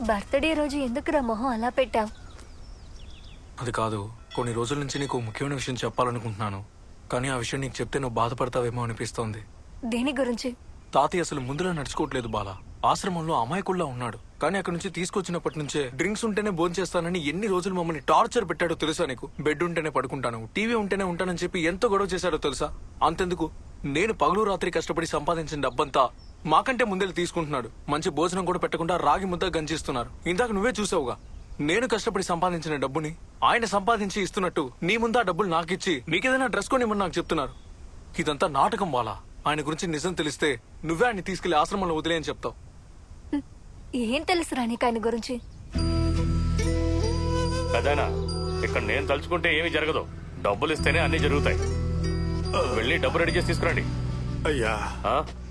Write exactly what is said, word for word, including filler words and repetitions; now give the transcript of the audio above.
Birthday రోజు ఎందుకురా మొహం అలా పెట్టావు? అది కాదు, కొన్ని రోజుల నుంచి నీకు ముఖ్యమైన విషయం చెప్పాలనుకుంటున్నాను. కానీ ఆ విషయం నీకు చెప్తే నువ్వు బాధపడతావేమో అనిపిస్తోంది. దేని గురించి? తాతయ్య అసలు ముందులా నడుచుకోవట్లేదు బాలా. ఆశ్రమంలో అమాయకుల్లా ఉన్నాడు. కానీ అక్కడి నుంచి తీసుకొచ్చినప్పటి నుంచే డ్రింక్స్ ఉంటేనే భోంచేస్తానని ఎన్ని రోజులు మమ్మల్ని టార్చర్ పెట్టాడో తెలుసా నీకు? బెడ్ ఉంటేనే పడుకుంటాను, టీవీ ఉంటేనే ఉంటానని చెప్పి ఎంతో గొడవ చేశాడో తెలుసా? అంతెందుకు, నేను పగలు రాత్రి కష్టపడి సంపాదించిన డబ్బంతా మాకంటే ముందే తీసుకుంటున్నాడు. మంచి భోజనం కూడా పెట్టకుండా రాగి ముద్ద గంజిస్తున్నారు. ఇందాక నువ్వే చూసావుగా, నేను కష్టపడి సంపాదించిన డబ్బుని ఆయన సంపాదించి ఇస్తున్నట్టు నీ ముందు ఆ డబ్బులు నాకిచ్చి నీకేదైనా డ్రెస్ కొనిమ్మని నాకు చెప్తున్నారు. ఇదంతా నాటకం బాలా. ఆయన గురించి నిజం తెలిస్తే నువ్వే ఆయన్ని తీసుకెళ్లి ఆశ్రమంలో వదిలేయని చెప్తావు. ఏం తెలుసురా నీకు ఆయన గురించి? అదేనా, ఇక్కడ నేను తలుచుకుంటే ఏమీ జరగదు. డబ్బులు ఇస్తేనే అన్ని జరుగుతాయి. వెళ్ళి డబ్బు రెడీ చేసి తీసుకురండి. అయ్యా ఆ?